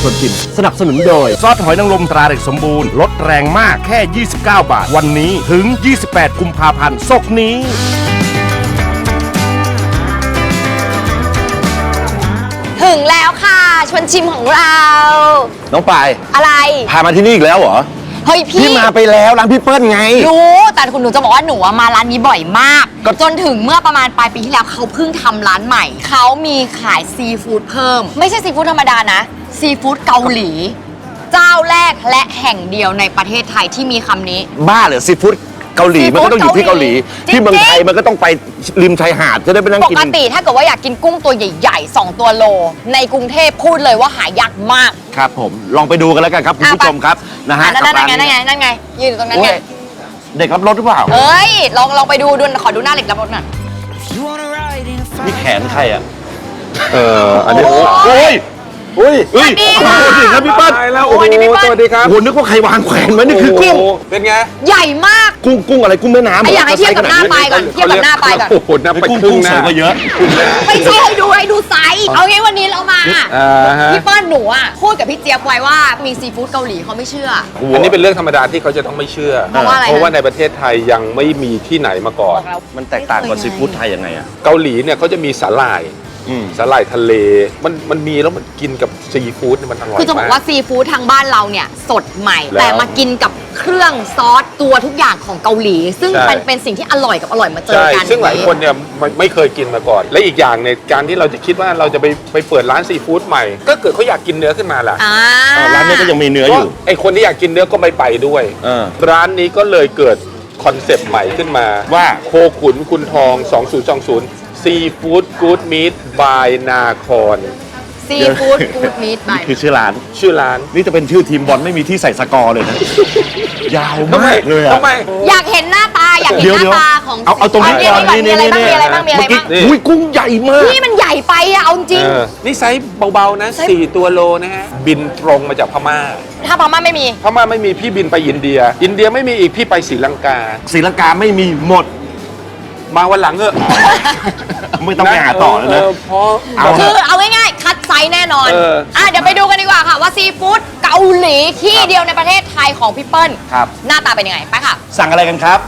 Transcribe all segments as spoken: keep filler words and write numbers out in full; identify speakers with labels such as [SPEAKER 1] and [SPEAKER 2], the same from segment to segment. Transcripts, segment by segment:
[SPEAKER 1] ชวนชิมสนับสนุนโดยซอสหอยนางรมตราเด็กสมบูรณ์ลดแรงมากแค่ยี่สิบเก้าบาทวันนี้ถึงยี่สิบแปดกุมภาพันธ์ศกนี้
[SPEAKER 2] ถึงแล้วค่ะชวนชิมของเรา
[SPEAKER 1] น้องปาย
[SPEAKER 2] อะไร
[SPEAKER 1] พามาที่นี่อีกแล้วเหรอ
[SPEAKER 2] เฮ้ยพี่
[SPEAKER 1] พี่มาไปแล้วร้านพี่เปิ้ลไง
[SPEAKER 2] รู้แต่คุณหนูจะบอกว่าหนูมาร้านนี้บ่อยมากจนถึงเมื่อประมาณปลายปีที่แล้วเขาเพิ่งทำร้านใหม่เขามีขายซีฟู้ดเพิ่มไม่ใช่ซีฟู้ดธรรมดานะซีฟู้ดเกาหลีเจ้าแรกและแห่งเดียวในประเทศไทยที่มีคำนี้
[SPEAKER 1] บ้าเหรอซีฟู้ดเกาหลีมันก็ต้องอยู่ที่เกาหลีที่เมืองไทยมันก็ต้องไปริมชายหาดจะได้ไปนั่งกิน
[SPEAKER 2] ปกติถ้าเกิดว่าอยากกินกุ้งตัวใหญ่ๆสองตัวโลในกรุงเทพพูดเลยว่าหายากมาก
[SPEAKER 1] ครับผมลองไปดูกันแล้วกันครับคุณผู้ชมครับนะฮะ
[SPEAKER 2] นั่นไงนั่นไงนั่นไงยืนอยู่ตรงนั้นไง
[SPEAKER 1] เด็กรับรถหรือเปล่า
[SPEAKER 2] เอ้ยลองลองไปดูดูขอดูหน้าเด็กรับรถหน่อย
[SPEAKER 1] นี่แขนใครอ่ะ
[SPEAKER 3] เอออันนี้
[SPEAKER 1] โอ้ยอุ้ยอุ้ย
[SPEAKER 2] สวัสดีค่ะ
[SPEAKER 1] พี่เปิ้ล
[SPEAKER 3] แล้วโอ้โหสวัสดีครับ
[SPEAKER 1] โอ้โหนึกว่าใครวางแขวนมานี่คือกุ้ง
[SPEAKER 3] เป็นไง
[SPEAKER 2] ใหญ่มาก
[SPEAKER 1] กุ้งกุ้งอะไรกุ้งแม่น้ำ
[SPEAKER 2] อยากให้เทียบกับหน้าปลายก่อนเทียบกับหน้าปลายก่อน
[SPEAKER 3] โอ้โหหน้าปลายกุ้ง
[SPEAKER 1] สวยกว่าเยอะ
[SPEAKER 2] ไม่ใช่ให้ดูให้ดูไซส์เอางี้วันนี้เรามาพี่เปิ้ลหนูอ่ะพูดกับพี่เจี๊ยบไว้ว่ามีซีฟู้ดเกาหลีเขาไม่เชื่อ
[SPEAKER 3] อันนี้เป็นเรื่องธรรมดาที่เขาจะต้องไม่เชื่อ
[SPEAKER 2] เพราะว่าอะไร
[SPEAKER 3] เพราะว่าในประเทศไทยยังไม่มีที่ไหนมาก่อน
[SPEAKER 1] มันแตกต่างกับซีฟู้ดไทยยังไงอ่ะ
[SPEAKER 3] เกาหลีเนี่ยเขาจะมีสาหร่ายสาหร่ายทะเลมันมันมีแล้วมันกินกับซีฟู้ดมันอร่อยมาก
[SPEAKER 2] คือจะบอกว่าซีฟู้ดทางบ้านเราเนี่ยสดใหม่แต่มากินกับเครื่องซอสตัวทุกอย่างของเกาหลีซึ่งเป็นเป็นสิ่งที่อร่อยกับอร่อยมาเจอกัน
[SPEAKER 3] ซึ่งหลายคนเนี่ยไม่เคยกินมาก่อนและอีกอย่างในการที่เราจะคิดว่าเราจะไปไปเปิดร้านซีฟู้ดใหม่ก็เกิดเขาอยากกินเนื้อขึ้นมาแหละ
[SPEAKER 1] ร้านนี้ก็ยังมีเนื้ออยู่
[SPEAKER 3] ไอคนที่อยากกินเนื้อก็ไม่ไปด้วยร้านนี้ก็เลยเกิดคอนเซปต์ใหม่ขึ้นมาว่าโคขุนคุณทองสองศูนย์สองศูนย์ซีฟู้ดกู๊ดมีทบายนาคอน
[SPEAKER 2] ซีฟู้ดกู๊ดมีทบาย
[SPEAKER 1] คือชื่อร้าน
[SPEAKER 3] ชื่อร้าน
[SPEAKER 1] นี่จะเป็นชื่อทีมบอลไม่มีที่ใส่สกอร์เลยนะยาวมากเลยอะ
[SPEAKER 2] อยากเห็นหน้าตาอยากเห็นหน้าตาของ
[SPEAKER 1] เอาเอาตรงนี้ก่อนนี่นี่นี่
[SPEAKER 2] มีอะไรบ้างมีอะไรบ้าง
[SPEAKER 1] อุ้ยกุ้งใหญ่มาก
[SPEAKER 2] นี่มันใหญ่ไปอะเอาจริง
[SPEAKER 3] นี่ไซส์เบาๆนะสี่ตัวโลนะฮะบินตรงมาจากพม่า
[SPEAKER 2] ถ้าพม่าไม่มี
[SPEAKER 3] พม่าไม่มีพี่บินไปอินเดียอินเดียไม่มีอีกพี่ไปศรีลังกา
[SPEAKER 1] ศรีลังกาไม่มีหมด
[SPEAKER 3] มาวันหลังเถอะ
[SPEAKER 1] ไม่ต้องไปหาต่อแล้วนะ
[SPEAKER 2] คือเอาง่ายๆคัดไซส์แน่นอนอ่ะเดี๋ยวไปดูกันดีกว่าค่ะว่าซีฟู้ดเกาหลีที่เดียวในประเทศไทยของพี่เปิ้ลหน้าตาเป็นยังไงไปค่ะ
[SPEAKER 1] สั่งอะไรกันครับ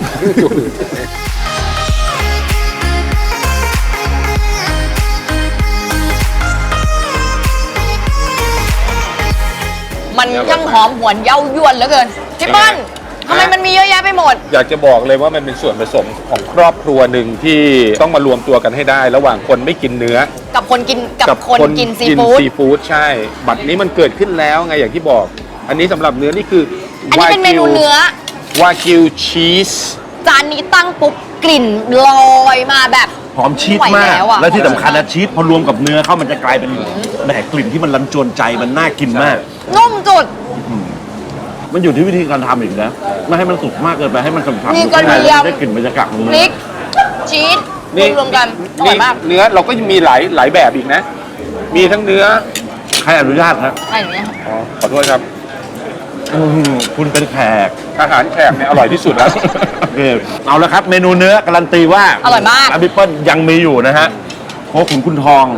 [SPEAKER 2] มันช่างหอมหวนเย้ายวนเหลือเกินพี่เปิ้ลทำไมมันมีเยอะแยะไปหมด
[SPEAKER 3] อยากจะบอกเลยว่ามันเป็นส่วนผสมของครอบครัวหนึ่งที่ต้องมารวมตัวกันให้ได้ ระหว่างคนไม่กินเนื้อ
[SPEAKER 2] กับคนกินกับคนกินซีฟู้ด
[SPEAKER 3] ซีฟู้ดใช่บัดนี้มันเกิดขึ้นแล้วไงอย่างที่บอกอันนี้สำหรับเนื้อนี่คือ
[SPEAKER 2] อันนี้เป็นเมนูเนื้อ
[SPEAKER 3] วากิวชีส
[SPEAKER 2] จานนี้ตั้งปุ๊บกลิ่นลอยมาแบบ
[SPEAKER 1] หอมชีสมากและที่สำคัญนะชีสพอรวมกับเนื้อเข้ามันจะกลายเป็นแหมกลิ่นที่มันรันจวนใจมันน่ากินมาก
[SPEAKER 2] นุ่มจุด
[SPEAKER 1] มันอยู่ที่วิธีการทำอีกนะไม่ให้มันสุกมากเกินไปให้มันฉ่ำๆ
[SPEAKER 2] มีกระเทียม
[SPEAKER 1] ได้กลิ่นบรรยากาศของเนื้อ
[SPEAKER 2] พริกชีสรวมกันอร่อยมาก
[SPEAKER 3] เนื้อเราก็มีหลายหลายแบบอีกนะมีทั้งเนื้อ
[SPEAKER 1] ใครอนุญาตครับ
[SPEAKER 2] ใครอนุญาต
[SPEAKER 3] อ๋อขอโทษครับ
[SPEAKER 1] คุณเป็นแขก
[SPEAKER 3] อาหารแขกเนี่ยอร่อยที่สุดแล้ว
[SPEAKER 1] โอเคเอาละครับเมนูเนื้อการันตีว่า
[SPEAKER 2] อร่อยมาก
[SPEAKER 1] ร้านพี่เปิ้ลยังมีอยู่นะฮะโคขุนคุณทอง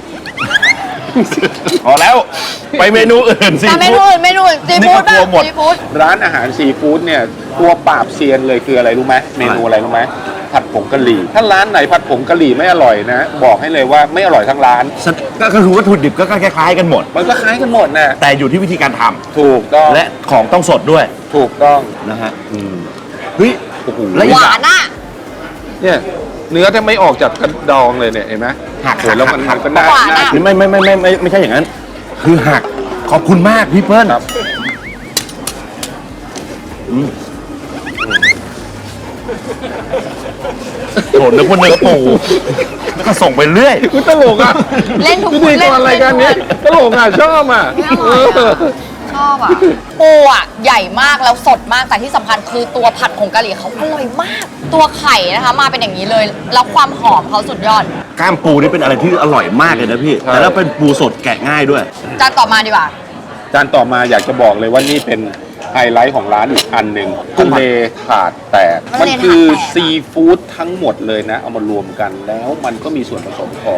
[SPEAKER 1] พอแล้วไปเมนูอื่นซีฟู้ด
[SPEAKER 2] เมนูอื่นเมนูอื่นซีฟู้ดบ้างซีฟู้ด
[SPEAKER 3] ร้านอาหารซีฟู้ดเนี่ยตัวปราบเซียนเลยคืออะไรรู้ไหมเมนูอะไรรู้ไหมผัดผงกะหรี่ถ้าร้านไหนผัดผงกะหรี่ไม่อร่อยนะบอกให้เลยว่าไม่อร่อยทั้งร้าน
[SPEAKER 1] ก็คือวัตถุดิบก็คล้ายๆกันหมด
[SPEAKER 3] มันก็คล้ายกันหมดนะ
[SPEAKER 1] แต่อยู่ที่วิธีการทำ
[SPEAKER 3] ถูกต้อง
[SPEAKER 1] และของต้องสดด้วย
[SPEAKER 3] ถูกต้อง
[SPEAKER 1] นะฮะเฮ้ยโอ้โห
[SPEAKER 2] หวานอ่ะ
[SPEAKER 3] เนี่ยเนื้อจะไม่ออกจากกระดองเลยเนี่ยเห็นไหม
[SPEAKER 1] หัก
[SPEAKER 3] แล้วมันหักก็น่า
[SPEAKER 1] ไม่ไม่ไม่ไม่ไม่ไม่ใช่อย่างนั้นคือหักขอบคุณมากพี่เปิ้ลโหนึกว่าเนื้อปูก็ส่งไปเรื่อย
[SPEAKER 3] คุณตลกอ่ะ
[SPEAKER 2] เล่นทุก
[SPEAKER 3] คนเล่นอะไรกันเนี่ยตลกอ่ะชอบอ่ะ
[SPEAKER 2] ชอบอ่ะปูอ่ะใหญ่มากแล้วสดมากแต่ที่สำคัญคือตัวผัดผงกะหรี่เขาอร่อยมากตัวไข่นะคะมาเป็นอย่างนี้เลยแล้วความหอมเขาสุดยอด
[SPEAKER 1] ก้ามปูนี่เป็นอะไรที่อร่อยมากเลยนะพี่แต่แล้วเป็นปูสดแกะง่ายด้วย
[SPEAKER 2] จานต่อมาดีกว่า
[SPEAKER 3] จานต่อมาอยากจะบอกเลยว่านี่เป็นไฮไลท์ของร้านอีกอันหนึ่งทะเลถาดแตกมันคือซีฟู้ดทั้งหมดเลยนะเอามารวมกันแล้วมันก็มีส่วนผสมของ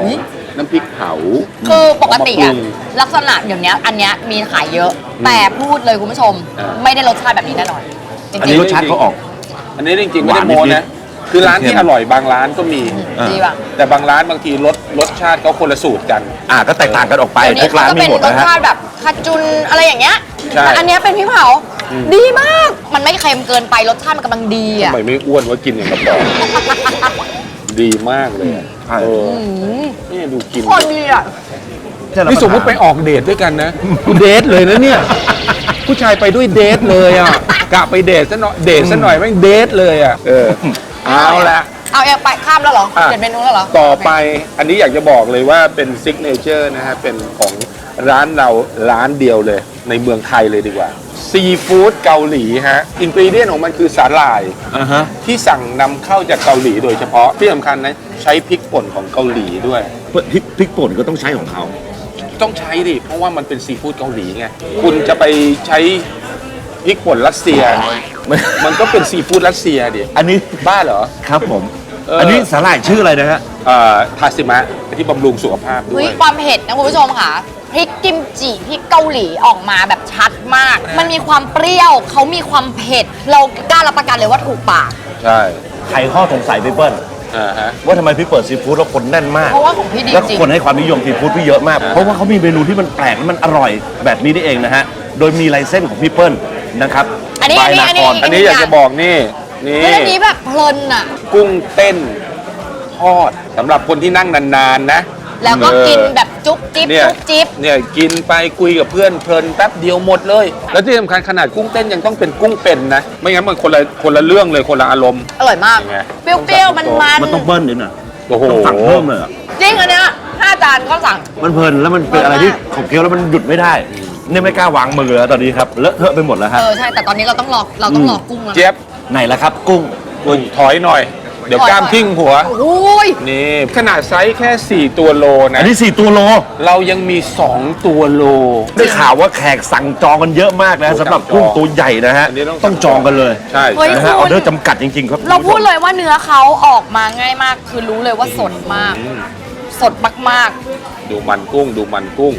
[SPEAKER 3] น้ำพริกเผา
[SPEAKER 2] คือปกติ
[SPEAKER 3] เอา
[SPEAKER 2] อะ
[SPEAKER 3] มาปรุง
[SPEAKER 2] ลักษณะอย่างเนี้ยอันเนี้ยมีขายเยอะ แต่พูดเลยคุณผู้ชม
[SPEAKER 3] อ่า
[SPEAKER 2] ไม่ได้รสชาติแบบนี้แน่นอนจ
[SPEAKER 1] อัน
[SPEAKER 2] ริ
[SPEAKER 1] นี้
[SPEAKER 2] ง
[SPEAKER 1] รสชาติเขาออก
[SPEAKER 3] อันนี้จริงๆไม่
[SPEAKER 1] ห
[SPEAKER 3] ได้
[SPEAKER 1] วาน
[SPEAKER 3] โม
[SPEAKER 1] นิดๆ
[SPEAKER 3] นะคือร้านที่
[SPEAKER 1] เค็ม
[SPEAKER 3] อร่อยบางร้านก็มี
[SPEAKER 2] ๆดีป่ะ
[SPEAKER 3] แต่บางร้านบางทีรสรสชาติเขาคนละสูตรกัน
[SPEAKER 1] อ่าก็แตกต่างกันออกไป
[SPEAKER 2] เดี๋ยว
[SPEAKER 1] ทุ
[SPEAKER 2] นี้
[SPEAKER 1] กร้าน
[SPEAKER 2] เขาก็
[SPEAKER 1] มี
[SPEAKER 2] เป็น
[SPEAKER 1] หมด
[SPEAKER 2] รส
[SPEAKER 1] นะฮะ
[SPEAKER 2] ชาติแบบคาจุนอะไรอย่างเงี้ย
[SPEAKER 3] ใช่
[SPEAKER 2] แต่อันเนี้ยเป็นพริกเผา
[SPEAKER 3] อืม
[SPEAKER 2] ดีมาก มันไม่เค็มเกินไปรสชาติมันกำลังดี
[SPEAKER 3] ทำ
[SPEAKER 2] อ่ะ
[SPEAKER 3] ไมไม่อ้วนว่ากินอย่างกระป๋องดีมากเลยอะ
[SPEAKER 1] ใช่
[SPEAKER 3] เออ
[SPEAKER 2] อืม
[SPEAKER 3] นี่ดูกิน
[SPEAKER 2] โคนดีอ่ะ
[SPEAKER 3] นี่สมมติไปออกเดทด้วยกันนะเดทเลยนะเนี่ย ผู้ชายไปด้วยเดทเลยอ่ะกะไปเดทซะหน่อยเดทซะหน่อยแม่งเดทเลยอ่ะเออเอาละ
[SPEAKER 2] เอาเองไปข้ามแล้วเหรอ
[SPEAKER 3] อ่ะ
[SPEAKER 2] เปลี่ยนเมนูแล้วเหรอ
[SPEAKER 3] ต่อไปอันนี้อยากจะบอกเลยว่าเป็นซิกเนเจอร์นะฮะ เป็นของร้านเราร้านเดียวเลย ในเมืองไทยเลยดีกว่าซีฟู้ดเกาหลีฮะอินกรีเดียนของมันคือสาหร่าย
[SPEAKER 1] อ่าฮะ
[SPEAKER 3] ที่สั่งนำเข้าจากเกาหลีโดยเฉพาะที่สำคัญนะใช้พริกป่นของเกาหลีด้วย
[SPEAKER 1] พริกพริกป่นก็ต้องใช้ของเขา
[SPEAKER 3] ต้องใช้ดิเพราะว่ามันเป็นซีฟู้ดเกาหลีไงคุณจะไปใช้พริกป่นรัสเซีย มันก็เป็นซีฟู้ดรัสเซียดิ
[SPEAKER 1] อันนี้
[SPEAKER 3] บ้าเหรอ
[SPEAKER 1] ครับผม
[SPEAKER 3] เอออั
[SPEAKER 1] อันนี้สาหร่ายชื่ออะไรนะฮะ
[SPEAKER 3] เอ่อทาซิมะที่บำรุงสุขภาพด้
[SPEAKER 2] เฮ้
[SPEAKER 3] วย ย
[SPEAKER 2] ความเผ็ดนะคุณผู้ชมค่ะพริกกิมจิพริกเกาหลีออกมาแบบชัดมาก มันมีความเปรี้ยวเขามีความเผ็ด เรากล้ารับประกันเลยว่าถูกปาก
[SPEAKER 3] ใช่
[SPEAKER 1] ใครข้อสงสัยพี่เปิ้ล
[SPEAKER 3] อ่าฮะ
[SPEAKER 1] ว่าทำไมพี่เปิดซีฟู้ดแล้วคนแน่นมาก
[SPEAKER 2] เพราะว่าของพี่ดี
[SPEAKER 1] แล้ว
[SPEAKER 2] จริง
[SPEAKER 1] คนให้ความนิยมซีฟู้ดพี่เยอะมาก
[SPEAKER 3] อ่า
[SPEAKER 1] เพราะว่าเขามีเมนูที่มันแปลกและมันอร่อยแบบนี้นี่เองนะฮะ โดยมีลายเส้นของพี่เปิ้ลนะครับ
[SPEAKER 2] อันนี้
[SPEAKER 1] บาย
[SPEAKER 2] อันนี้
[SPEAKER 1] นาคร
[SPEAKER 2] อั
[SPEAKER 3] อันนี้อยากจะบอกนี่นี่
[SPEAKER 2] เฮ้ยอันนี้แบบเพลินอ่ะ
[SPEAKER 3] กุ้งเต้นทอดสำหรับคนที่นั่งนานๆนะ
[SPEAKER 2] แล้วก็
[SPEAKER 3] เออ
[SPEAKER 2] กินแบบจุ๊บจิ๊บ
[SPEAKER 3] เนี่ย
[SPEAKER 2] จุ๊บจิ๊บ
[SPEAKER 3] เนี่ยกินไปคุยกับเพื่อนเพลินแป๊บเดียวหมดเลย แล้วที่สำคัญขนาดกุ้งเต้นยังต้องเป็นกุ้งเป็นนะ ไม่งั้นมันคนละคนละเรื่องเลยคนละอารมณ์
[SPEAKER 2] อร่อยมาก
[SPEAKER 3] เป็นไง
[SPEAKER 2] เปรี้ยวๆ มันมัน
[SPEAKER 1] มันต้องเบิ้ลนิดหน่อย
[SPEAKER 3] โอ้โห
[SPEAKER 1] ต้องสั่งเพิ่มเลยอะ
[SPEAKER 2] จริงอันเนี้ยห้าจานก็สั่ง
[SPEAKER 1] มันเพลินแล้วมันเป็นอะไรที่ขบเคี้ยวแล้วมันหยุดไม่ได้เนี่ยไม่กล้าวางมือแล้วตอนนี้ครับเลอะเทอะไปหมดแล้ว
[SPEAKER 2] เอ
[SPEAKER 1] ฮะ
[SPEAKER 2] อ ใช่ แต่ตอนนี้เราต้องรอเราต้องรอกุ้งแล้วนะ
[SPEAKER 3] เจี๊ยบ
[SPEAKER 1] ไหนละครับ กุ้ง
[SPEAKER 3] คุณถอยหน่อย เดี๋ยว
[SPEAKER 2] ถอย
[SPEAKER 3] กล้ามทิ้งหัว
[SPEAKER 2] โอ้ย
[SPEAKER 3] นี่ขนาดไซส์แค่สี่ตัวโลนะ
[SPEAKER 1] อันนี้สี่ตัวโล
[SPEAKER 3] เรายังมีสองตัวโล
[SPEAKER 1] ได้ข่าวว่าแขกสั่งจองกันเยอะมากนะสำหรับกุ้งตัวใหญ่นะฮะ
[SPEAKER 3] อันนี้ต้อง
[SPEAKER 1] ต้องจองกันเลย
[SPEAKER 3] ใช่
[SPEAKER 2] เฮ้ย
[SPEAKER 1] นะฮะออเดอร์จำกัดจริง ๆ ครับ
[SPEAKER 2] เราพูดเลยว่าเนื้อเขาออกมาง่ายมาก คือรู้เลยว่าสดมาก สดมาก
[SPEAKER 3] ดูมันกุ้งดูมันกุ้ง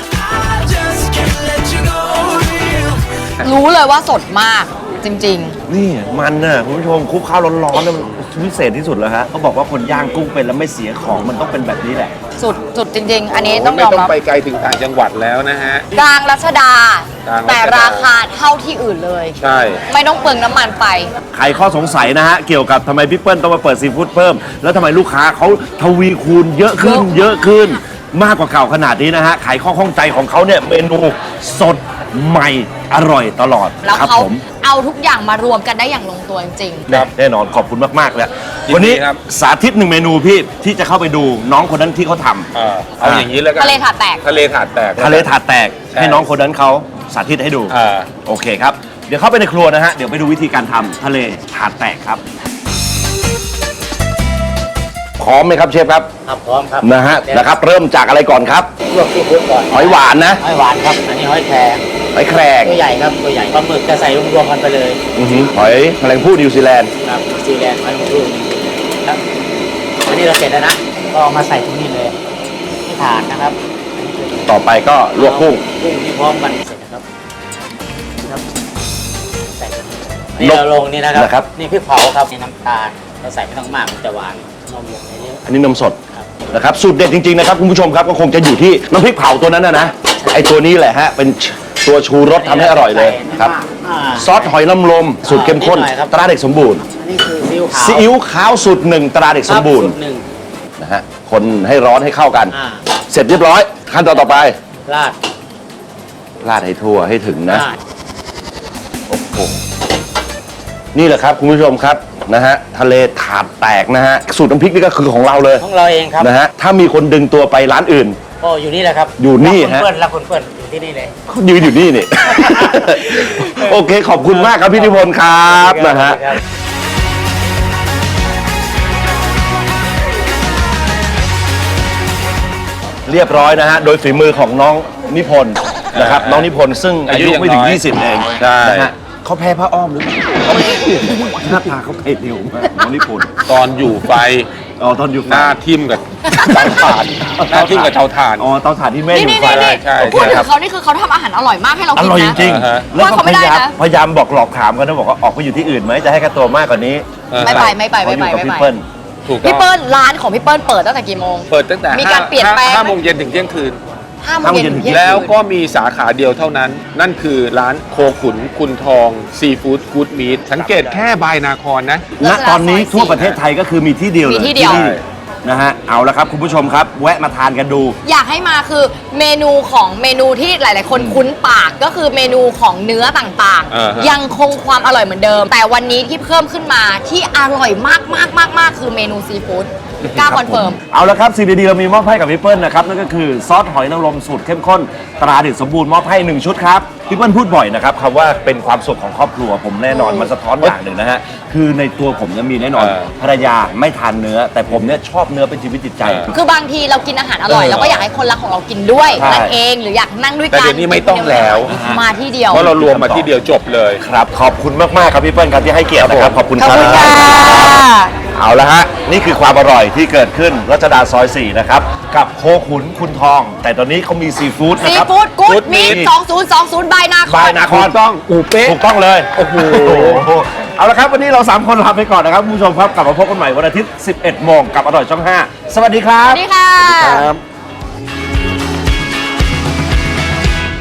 [SPEAKER 2] ๆ รู้เลยว่าสดมาก จริง
[SPEAKER 1] นี่มันน่ะคุณผู้ชมคลุกข้าวร้อนๆน่ะมันพิเศษที่สุดแล้วฮะเขาบอกว่าคนย่างกุ้งเป็นแล้วไม่เสียของมันต้องเป็นแบบนี้แหละ
[SPEAKER 2] ๆ สุดสุดจริง ๆ อันนี้ต้อง
[SPEAKER 3] ไม่
[SPEAKER 2] ยอม
[SPEAKER 3] ต้อง
[SPEAKER 2] รับ
[SPEAKER 3] ไปไกลถึงต่างจังหวัดแล้วนะฮะ
[SPEAKER 2] กลางรัชดา
[SPEAKER 3] กลางรัชดา
[SPEAKER 2] แต่ราคาเท่าที่อื่นเลย
[SPEAKER 3] ใช่
[SPEAKER 2] ไม่ต้องเปลืองน้ำมันไป
[SPEAKER 1] ใครข้อสงสัยนะฮะ เกี่ยวกับทำไมพี่เปิ้ลต้องมาเปิดซีฟู้ดเพิ่ม แล้วทำไมลูกค้าเขาทวีคูณเยอะขึ้น เยอะขึ้น มากกว่าเก่าขนาดนี้นะฮะไขข้อข้องใจของเขาเนี่ยเมนูสดใหม่อร่อยตลอด
[SPEAKER 2] แล้ว
[SPEAKER 1] ครับ
[SPEAKER 2] เขา
[SPEAKER 1] ผม
[SPEAKER 2] เอาทุกอย่างมารวมกันได้อย่างลงตัวจริง
[SPEAKER 3] ครับ
[SPEAKER 1] แน่นอนขอบคุณมากๆเลย
[SPEAKER 3] ยินดี
[SPEAKER 1] วันนี้
[SPEAKER 3] ครับ
[SPEAKER 1] สาธิตหนึ่งเมนูพี่ที่จะเข้าไปดูน้องคนนั้นที่เขาทำ
[SPEAKER 3] เออเอาอย่างนี้แล้วกัน
[SPEAKER 2] ทะเลถาดแตก
[SPEAKER 3] ทะเลถาดแตก
[SPEAKER 1] ทะเลถาดแตก
[SPEAKER 3] ใช่
[SPEAKER 1] ให้น้องคนนั้นเขาสาธิตให้ดู
[SPEAKER 3] อ่า
[SPEAKER 1] โอเคครับ เดี๋ยวเข้าไปในครัวนะฮะ เดี๋ยวไปดูวิธีการทำทะเลถาดแตกครับ พร้อมไหมครับเชฟครับ
[SPEAKER 4] ครับพร้อมครับ
[SPEAKER 1] นะฮะนะครับ เริ่มจากอะไรก่อนครับ
[SPEAKER 4] ลวกซีฟู้ดก่อน
[SPEAKER 1] หอยหวานนะ
[SPEAKER 4] หอยหวานครับ อันนี้หอยแครง
[SPEAKER 1] หอยแครง
[SPEAKER 4] ตัวใหญ่ครับตัวใหญ่ปลาหมึกจะใส่รวมๆกันไปเลย
[SPEAKER 1] อื้อหือหอยแมลงภู่นิวซีแลนด์
[SPEAKER 4] ครับซีแลนด์หอยหมึกรูดครับอันนี้เราเสร็จแล้วนะก็เอามาใส่ตรงนี้เลยที่ถาดนะครับ
[SPEAKER 1] ต่อไปก็ลวกกุ้ง
[SPEAKER 4] กุ้งที่พร้อมกันเสร็จนะครับครับใส่ตรงนี้นี่เราลงนี่นะครับ
[SPEAKER 1] นะครับ
[SPEAKER 4] นี่พริกเผาครับนี่น้ำตาลเราใส่ไม่ต้องมากมันจะหวานนมลงไปเยอะ
[SPEAKER 1] อันนี้นมสด
[SPEAKER 4] ครับ
[SPEAKER 1] นะครับสูตรเด็ดจริงๆนะครับคุณผู้ชมครับก็คงจะอยู่ที่น้ำพริกเผาตัวนั้นนะนะไอตัวนี้แหละฮะเป็นตัวชูรสทำให้อร่อยเลยครับ
[SPEAKER 4] อ่า
[SPEAKER 1] ซอสหอยนางรมสูตรเข้มข้น
[SPEAKER 4] นิดหน่อยครับ
[SPEAKER 1] ตราเด็กสมบูรณ์
[SPEAKER 4] อันนี้คือซีอิ๊วขาว
[SPEAKER 1] ซีอิ๊วขาวสูตรหนึ่งตราเด็กสมบูรณ์
[SPEAKER 4] คสูตหนึ่ง
[SPEAKER 1] นะฮะคนให้ร้อนให้เข้ากัน
[SPEAKER 4] อ่า
[SPEAKER 1] เสร็จเรียบร้อยขั้นตอนต่อไป
[SPEAKER 4] ราด
[SPEAKER 1] ราดให้ทั่วให้ถึงนะ
[SPEAKER 4] ราด
[SPEAKER 1] โอ้โหนี่แหละครับคุณผู้ชมครับนะฮะทะเลถาดแตกนะฮะสูตรน้ำพริกนี่ก็คือของเราเลย
[SPEAKER 4] ของเราเองครับ
[SPEAKER 1] นะฮะถ้ามีคนดึงตัวไปร้านอื่น
[SPEAKER 4] ก็อยู่นี่แหละครับ
[SPEAKER 1] อยู่นี่
[SPEAKER 4] รัก
[SPEAKER 1] ฮะ
[SPEAKER 4] คุณเปิ้ลรักคุณเปิ้ลอยู่ที่นี่เลย
[SPEAKER 1] เขายืนอยู่นี่นี่ โอเคขอบคุณมากครับพี่นิพนธ์ครับนะฮะ
[SPEAKER 4] ครับ
[SPEAKER 1] เรียบร้อยนะฮะโดยฝีมือของน้องนิพนธ์นะครับน้องนิพนธ์ซึ่งอายุ
[SPEAKER 3] อายุยัง
[SPEAKER 1] ไม่ถึง
[SPEAKER 3] น้อย
[SPEAKER 1] ยี่สิบเอง
[SPEAKER 3] ใช่
[SPEAKER 1] นะฮะเขาแพ้ผ้าอ้อมหรือเปล่าหน้าตาเขาไปเร็วมากน้องนิพนธ์
[SPEAKER 3] ตอนอยู่ไฟ
[SPEAKER 1] อ๋อตอนอยู่
[SPEAKER 3] หน้าทิ่มกับเตาถ่านหน้าที่กับเตาถ่าน
[SPEAKER 1] อ๋อเตาถ่านที่แม่
[SPEAKER 2] นี่
[SPEAKER 1] อยู่
[SPEAKER 2] นี่
[SPEAKER 1] ไฟ
[SPEAKER 2] นี่
[SPEAKER 3] ใช่
[SPEAKER 2] พูดถึ
[SPEAKER 1] ครั
[SPEAKER 2] ง
[SPEAKER 1] บ
[SPEAKER 2] เขานี่คือเขาทำอาหารอร่อยมากให้เรา
[SPEAKER 1] อ
[SPEAKER 2] กิน
[SPEAKER 1] ร่อยจ
[SPEAKER 2] นะ
[SPEAKER 1] ริง
[SPEAKER 3] อ่าฮะ
[SPEAKER 1] ๆแล้วก็
[SPEAKER 2] ว่าเขา
[SPEAKER 1] พ
[SPEAKER 2] ไม่ได้
[SPEAKER 1] ยายาม
[SPEAKER 2] นะ
[SPEAKER 1] พยายามบอกหลอกถามกันนะบอกว่าออกไปอยู่ที่อื่นไหมจะให้ค่าตัวมากกว่านี้
[SPEAKER 2] ไม่ไปไม่ไป
[SPEAKER 1] เขา
[SPEAKER 2] ไม่
[SPEAKER 1] อยู่
[SPEAKER 2] ไป
[SPEAKER 1] กับ
[SPEAKER 2] ไม่
[SPEAKER 1] พี่
[SPEAKER 2] ไป
[SPEAKER 1] เปิ้ล
[SPEAKER 3] ถูกต้
[SPEAKER 2] พี่
[SPEAKER 3] อง
[SPEAKER 2] เปิ้ลร้านของพี่เปิ้ลเปิดตั้งแต่กี่โมง
[SPEAKER 3] เปิดตั้งแต่
[SPEAKER 2] มีการเปลี่ยนแปลงไหม
[SPEAKER 3] ห้าโมงเย็นถึงเที่ยงคืน
[SPEAKER 2] ห้าโมงเย็นถึงเที่ยงคืน
[SPEAKER 3] แล้วก็มีสาขาเดียวเท่านั้น นั่นคือร้านโคขุนคุณทองซีฟู้ดกู๊ดมีทสังเกตแค่บายนาครนะ
[SPEAKER 1] ณตอนนี้ทั่วประเทศไทยก็คือมีที่เดียวเลย
[SPEAKER 2] มีที่เดียว
[SPEAKER 1] นี่นะฮะเอาละครับคุณผู้ชมครับแวะมาทานกันดู
[SPEAKER 2] อยากให้มาคือเมนูของเมนูที่หลาย ๆ คนคุ้นปากก็คือเมนูของเนื้อต่าง
[SPEAKER 3] อ่าฮะ
[SPEAKER 2] ๆ ยังคงความอร่อยเหมือนเดิม แต่วันนี้ที่เพิ่มขึ้นมาที่อร่อยมากมากมากมากคือเมนูซีฟู้ดกล้าคอนเฟิร์ม
[SPEAKER 1] เอาละครับสิ่งดีๆเรามีมอบให้กับพี่เปิ้ลนะครับนั่นก็คือซอสหอยนางรมสูตรเข้มข้นตราเด็ดสมบูรณ์มอบให้หนึ่งชุดครับพี่เปิ้ลพูดบ่อยนะครับคำว่าเป็นความสุขของครอบครัวผมแน่นอนมันสะท้อนอย่างหนึ่งนะฮะคือในตัวผมเนี่ยมีแน่นอน
[SPEAKER 3] เออ
[SPEAKER 1] ภรรยาไม่ทานเนื้อ แต่ผมเนี่ยชอบเนื้อเป็นชีวิตจิตใจ
[SPEAKER 3] เออ
[SPEAKER 2] คือบางทีเรากินอาหารอร่อย
[SPEAKER 1] เออ
[SPEAKER 2] เราก็อยากให้คนรักของเรากินด้วย
[SPEAKER 1] ใช่
[SPEAKER 2] นั่นเองหรืออยากนั่งด้วย
[SPEAKER 3] แต่
[SPEAKER 2] กัน
[SPEAKER 3] เดี๋ยวนี้ไม่ต้องแล้ว
[SPEAKER 2] มาที่เดียว
[SPEAKER 3] เพราะเรารวมมาที่เดียวจบเลย
[SPEAKER 1] ครับขอบคุณมากๆครับพี่เปิ้ลครับที่ให้เกียรตินะครับขอบคุณ
[SPEAKER 2] ขอบ
[SPEAKER 1] ครับ
[SPEAKER 2] คุณค่ะ
[SPEAKER 1] เอาละฮะนี่คือความอร่อยที่เกิดขึ้นรัชดาซอยสี่นะครับกับโคขุนคุณทอง แต่ตอนนี้เขามีซีฟู้ดนะ
[SPEAKER 2] ซี
[SPEAKER 1] ครับ
[SPEAKER 2] ฟู้ดกู๊ด
[SPEAKER 3] Good
[SPEAKER 2] มี
[SPEAKER 3] Meat
[SPEAKER 2] สองศูนย์สองศูนย์บายนาค
[SPEAKER 1] บาย
[SPEAKER 2] ร
[SPEAKER 1] นาคร
[SPEAKER 3] ถูกต้องอูเป๊ะ
[SPEAKER 1] ถูกต้องเลย โอ้โห เอาละครับ วันนี้เราสามคนลาไปก่อนนะครับคุณผู้ชมครับ กลับมาพบกันใหม่วันอาทิตย์ สิบเอ็ดโมงกับอร่อยช่องห้าสวัสดีครั
[SPEAKER 2] ส
[SPEAKER 1] บ
[SPEAKER 2] วัสดีค่ะ
[SPEAKER 3] ครับ